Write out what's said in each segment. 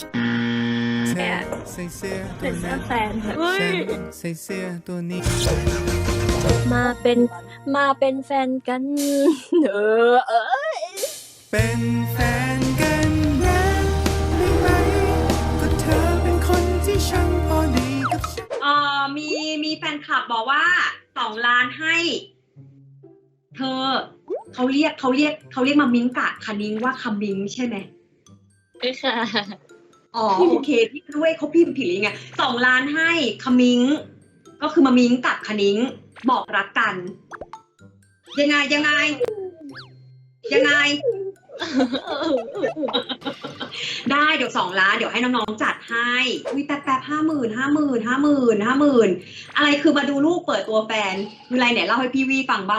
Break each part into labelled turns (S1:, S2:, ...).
S1: เธ
S2: แอ
S1: อบ ใส่เสื้อตั
S2: เป็
S1: วน
S2: เสื้
S1: นั้
S2: อน แฟนเฮ้
S1: ฉั
S2: ย
S1: นใส่เสื้อตัวนี้
S2: มาเป็นแฟนกันเออ
S1: เป็นแฟนกันนะได้ไหมก็เธอเป็นคนที่ช่างพอดีกับฉัน
S3: มีแฟนคลับบอกว่า2 ล้านให้ เธอเขาเรียกมามิ้งกะคณิ้งว่าคำมิ้งใช่ไหม
S2: ไม่ค่ะ
S3: อ๋อโอเคพี่ด้วยเขาพิมพ์ผิดหรือไง2 ล้านให้คมิ้งก็คือมามิ้งกับคณิ้งบอกรักกัน ยังไง ได้เดี๋ยว2 ล้านเดี๋ยวให้น้องๆจัดให้วิแป๊บ50,000อะไรคือมาดูลูกเปิดตัวแฟนคืออะไรเนี่ยเล่าให้พี่วีฟังบ้าง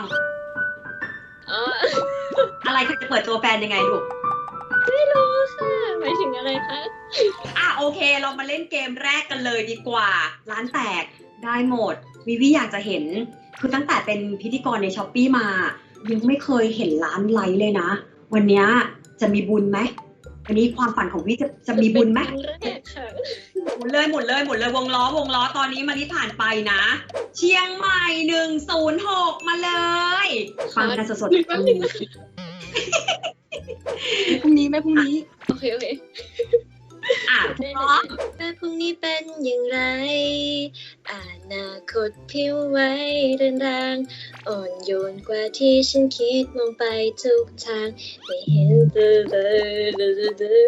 S3: อะไรคือจะเปิดตัวแฟนยังไงลูก
S2: ไม่รู้ค่ะหมายถึงอะไรคะ
S3: โอเคเรามาเล่นเกมแรกกันเลยดีกว่าร้านแตกได้หมดวิวีอยากจะเห็นคือตั้งแต่เป็นพิธีกรในช้อปปี้มายังไม่เคยเห็นร้านไลค์เลยนะวันนี้จะมีบุญไหมวันนี้ความฝันของวิจะมีบุญไหม
S2: เป็นครั้งแรกค่ะ
S3: หมุนเลยวงล้อตอนนี้มาที่ผ่านไปนะเชียงใหม่106มาเลยฟังกันสดๆพรุ่งนี้
S2: พรุ่งนี้โอเคพ
S3: พร้อม
S2: แต่พรุ่งนี้เป็นอย่างไรอนาคตผิวไว้เรือนรางอ่อนโยนกว่าที่ฉันคิดมองไปทุกทางไม่เห็นเลย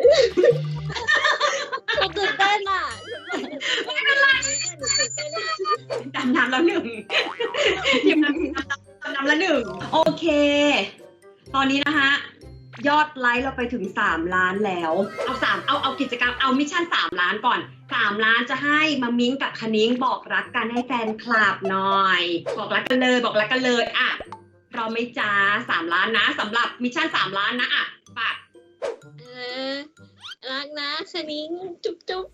S2: เขาตื่นเต้นอ่ะไม่เป็นไรหนูตื่นเต้น
S3: ดำน้ำแล้วหนึ่งทีมน้ำแล้วหนึ่งโอเค ตอนนี้นะคะยอดไลค์เราไปถึง3 ล้านแล้วเอากิจกรรมเอามิชชั่น3 ล้านก่อน3 ล้านจะให้มามิ้งกับคณิ้งบอกรักกันให้แฟนคลับหน่อยบอกรักกันเลยอ่ะเราไม่จ้า3 ล้านนะสำหรับมิชชั่น3 ล้านนะอ่ะฝาก
S2: รักนะคณิ้งจุ๊บจุ๊บ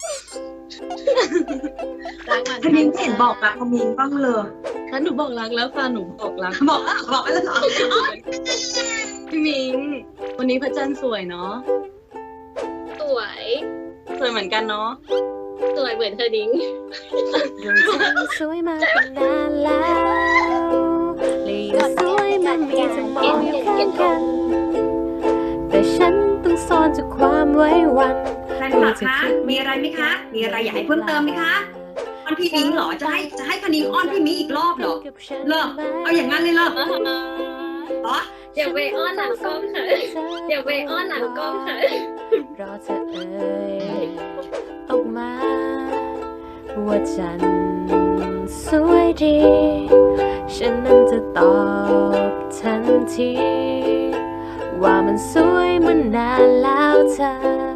S3: คณิ้งเห็นบอกรักคณิ้งบ้างเลย
S4: ถ้าหนูบอกรักแล้วค่ะหนูบอกรัก
S3: บอกอะไรเหรอ
S4: พี่มิงวันนี้พระจันทร์สวยเนาะ
S2: สวย
S4: สวยเหมือนกันเนาะ
S2: สวยเหมือนคณิ้ง
S5: สวยมาตั้งนานแล้วและยังสวยมันมีจะมองอยู่ข้างกันแต่ฉันต้องซ่อนจากความไว้วัน
S3: แฟนคลับคะมีอะไรไหมคะมีอะไรอยากให้เพิ่มเติมไหมคะอ้อนพี่มิ้งเหรอจะให้คณิ้งอ้อนพี่มิ้งอีกรอบเหรอเลิกเอาอย่างนั้นเลยเลิกเหรอ
S2: เดี๋ยวไปอ้อนหลังกล้องค่ะเดี๋ยวไปอ้อนหลังกล้องค่ะ
S5: รอเธอเอ่ยออกมาว่าฉันสวยดีฉันนั้นจะตอบทันทีว่ามันสวยมานานแล้วเธอ